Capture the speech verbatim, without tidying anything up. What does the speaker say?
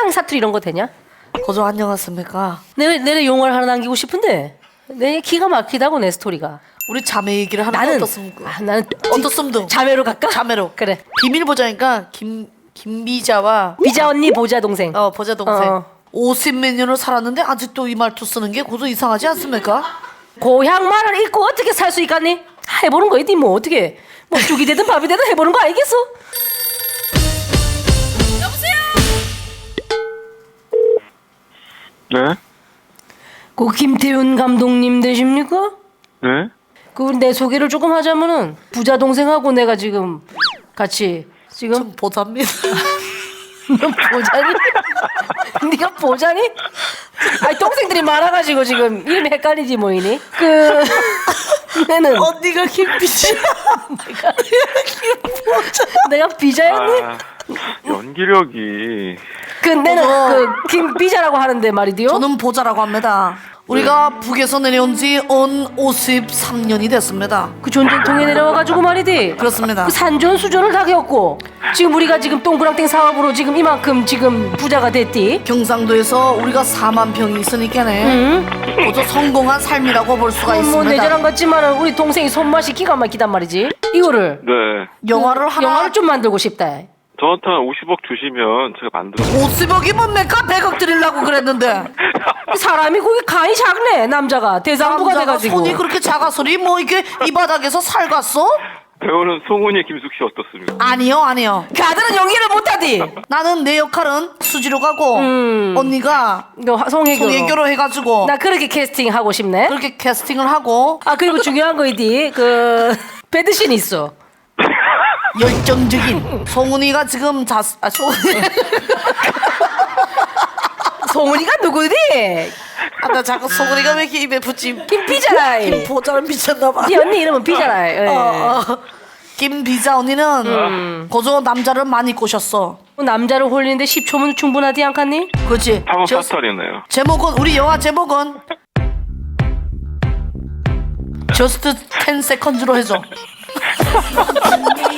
사랑 사투리 이런 거 되냐? 고조 안녕하십니까. 내 내내 용어를 하나 남기고 싶은데 내 기가 막히다고 내 스토리가. 우리 자매 얘기를 하나 나는 어떻습니까? 아, 나는 어떻습니까? 자매로 갈까? 자매로. 그래. 비밀 보자니까 김 김비자와 비자 언니 보자 동생. 어 보자 동생. 어. 오십몇 년을 살았는데 아직도 이 말투 쓰는 게 고조 이상하지 않습니까? 고향 말을 잊고 어떻게 살 수 있겠니? 해보는 거이지 뭐 어떻게 뭐 죽이 되든 밥이 되든 해보는 거 아니겠어? 네? 그 김태윤 감독님 되십니까? 네? 그 내 소개를 조금 하자면은 부자 동생하고 내가 지금 같이 지금 좀 보자입니다. 넌 보자니? 네가 보자니? 아니 동생들이 많아가지고 지금 이름이 헷갈리지 뭐이니? 그 내는 언니가 김비자. 내가 내가 비자였니? 아, 연기력이 그 내는 그 김비자라고 하는데 말이디요. 저는 보자라고 합니다. 우리가 북에서 내려온 지 온 오십삼 년이 됐습니다. 그 전쟁통에 내려와가지고 말이디. 그렇습니다. 그 산전 수전을 다 겪고 지금 우리가 지금 동그랑땡 사업으로 지금 이만큼 지금 부자가 됐디. 경상도에서 우리가 사만 평이 있으니까네. 응? 고조 성공한 삶이라고 볼 수가 뭐 있습니다. 내자랑 같지만은 우리 동생이 손맛이 기가 막히단 말이지. 이거를 네 영화를 하나 영화를 좀 만들고 싶다. 저한테 한 오십억 주시면 제가 만들어 오십억이 뭡니까? 백억 드리려고 그랬는데 사람이 거기 간이 작네. 남자가 대장부가 남자가 돼가지고. 손이 그렇게 작아서리 뭐 이게 이 바닥에서 살갔어? 배우는 송은이 김숙 씨 어떻습니까? 아니요 아니요. 그 아들은 연기를 못하디. 나는 내 역할은 수지로 가고 음. 언니가 너 송혜교로. 송혜교로 해가지고 나 그렇게 캐스팅 하고 싶네. 그렇게 캐스팅을 하고 아 그리고 중요한 거이디 그 배드신 있어. 열정적인 송은이가 지금 자 아, 송은이 송은이가 누구디? 아, 나 자꾸 송은이가 왜 이렇게 입에 붙지? 김비자라. 보자를 미쳤나봐. 네 언니 이름은 비자라. 예. 어, 어. 김비자 언니는 음. 고조 남자를 많이 꼬셨어. 남자를 홀리는데 십 초면 충분하디 않겠니? 그렇지. 상업 저- 사설이네요. 제목은 우리 영화 제목은 Just ten seconds로 해줘.